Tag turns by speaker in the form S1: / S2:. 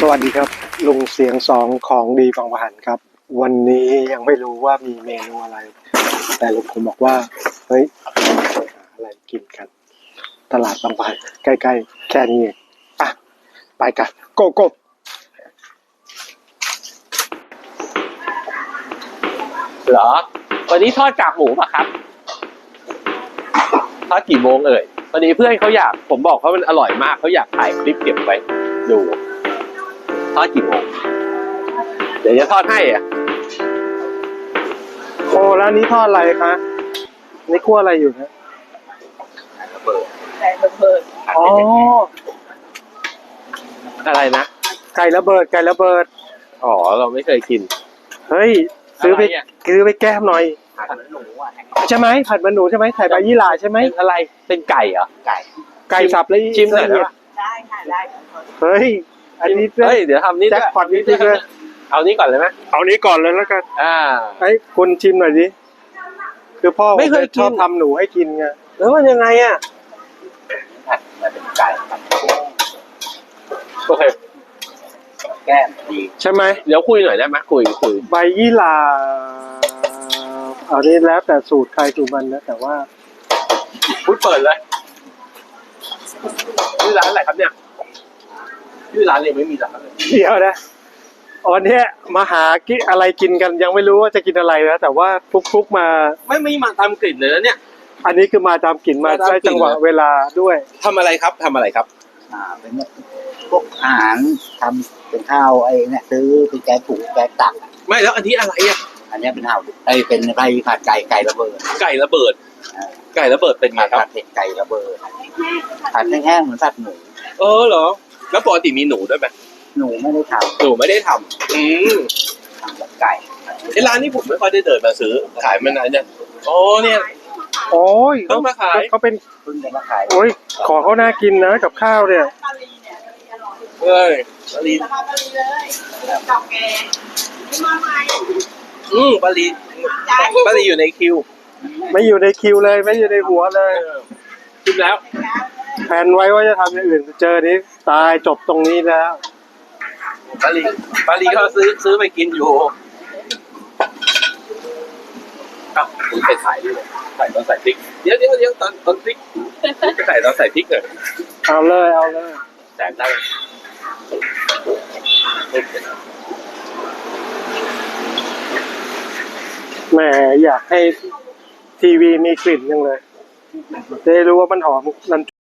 S1: สวัสดีครับลุงเสียงสองของดีบางปะหันครับวันนี้ยังไม่รู้ว่ามีเมนูอะไรแต่ลุงผมบอกว่าเฮ้ยอะไรกินกันตลาดบางปะหันใกล้ๆแค่นี้อ่ะไปกันโกโก้
S2: เหรอวันนี้ทอดกากหมูป่ะครับทอดกี่โมงเอ่ยวันนี้เพื่อนเขาอยากผมบอกเขามันอร่อยมากเขาอยากถ่ายคลิปเก็บไว้ดูทอดกี่โมงเดี๋ยวจะทอดให้อ่ะ
S1: โอ้แล้วนี้ทอดอะไรคะนี่คั่วอะไรอยู่นะ
S3: ไก่ระเบิด
S1: อ๋อ
S2: อะไรนะ
S1: ไก่ระเบิด
S2: อ๋อเราไม่เคยกิน
S1: เฮ้ยซื้อไปแก้มหน่อย
S3: ผัดมันหนูอ่ะ
S1: ใช่ไหมผัดมันหนูใช่ไหมใส่ใบยี่หร่าใช่ไหม
S2: เป็นอะไรเป็นไก่เหรอ
S1: ไก่สับแล้ว
S2: ชิมหน่อยได้ปะ
S3: ได้ค่ะได้
S1: เฮ้ยอันนี้
S2: เฮ้ยเดี๋ยวทำนี่
S1: แจ็คพอตนี่ดิเลย
S2: เอานี้ก่อนเลยไหม
S1: เอานี้ก่อนเลยแล้วกันไอ้คุณชิมหน่อยดิคือพ่อ
S2: ไม่เคยชอบ
S1: ทำหนูให้กินไง
S2: แล้วมันยังไงอ่ะ
S3: มันเป็นไก่
S2: โอเค
S3: แก้มดี
S1: ใช่ไหม
S2: เดี๋ยวคุยหน่อยได้ไหมคุย
S1: ใบยี่หร่าเอานี้แล้วแต่สูตรใครสูตรมันนะแต่ว่า
S2: พูดเปิดเลยชื่อร้านอะไรครับเนี่ยชื่อร้านยังไม่มีร้านเลย
S1: เดี๋ยวนะวันนี้มาหากินอะไรกินกันยังไม่รู้ว่าจะกินอะไรนะแต่ว่าทุกๆมา
S2: ไม่มาตามกลิ่นเลยนะเนี่ย
S1: อันนี้คือมาตามกลิ่นมาได้จังหวะเวลาด้วย
S2: ทำอะไรครับ
S3: เป็นพวกอาหารทำเป็นข้าวไอ้เนี่ยซื้อเป็นแกงถุงแกงตัก
S2: ไม่แล้วอันนี้อะไรอ่ะ
S3: อันนี้เป็นข้าวเป็นใบผัดไก่ระเบิด
S2: ไก่ระเบิดเป็นไงครับ
S3: ผัดเผ็ดไก่ระเบิดผัดแห้งๆเหมือนผัดหมู
S2: เหรอแล้วปกติมีหนูด้วยไหม
S3: หนูไม่ได้ทำ
S2: ทำ
S3: แบบไก่
S2: ไอ้ร้านนี้ผมไม่ค่อยได้เดินมาซื้อขายมานานเนี่ยเนี่ย
S1: โอ้ย
S2: ต้องมาขาย
S1: เขาเป็น
S3: เพิ่งจะมาขาย
S1: โอ้ยของเขาน่ากินนะกับข้าวเนี่ย
S2: เฮ้ยปลาลี
S3: เลยดอกแกมาใหม่
S2: ปลาลีอยู่ในคิว
S1: ไม่อยู่ในคิวเลยไม่อยู่ในหัวเลย
S2: คิดแล้ว
S1: แผนไว้ว่าจะทำอย่างอื่นเจอนี้ตายจบตรงนี้แล้ว
S2: ปลาลีเขาซื้อไปกินอยู่คุณไปถ่ายด้วยใส่ตอนใส่พริกเดี๋ยวตอนพริกไปใส่ตอนใส่พริกเลย
S1: เอาเลย
S2: แสงได้
S1: แหมอยากให้ทีวีมีกลิ่นจังเลยจะได้รู้ว่ามันหอม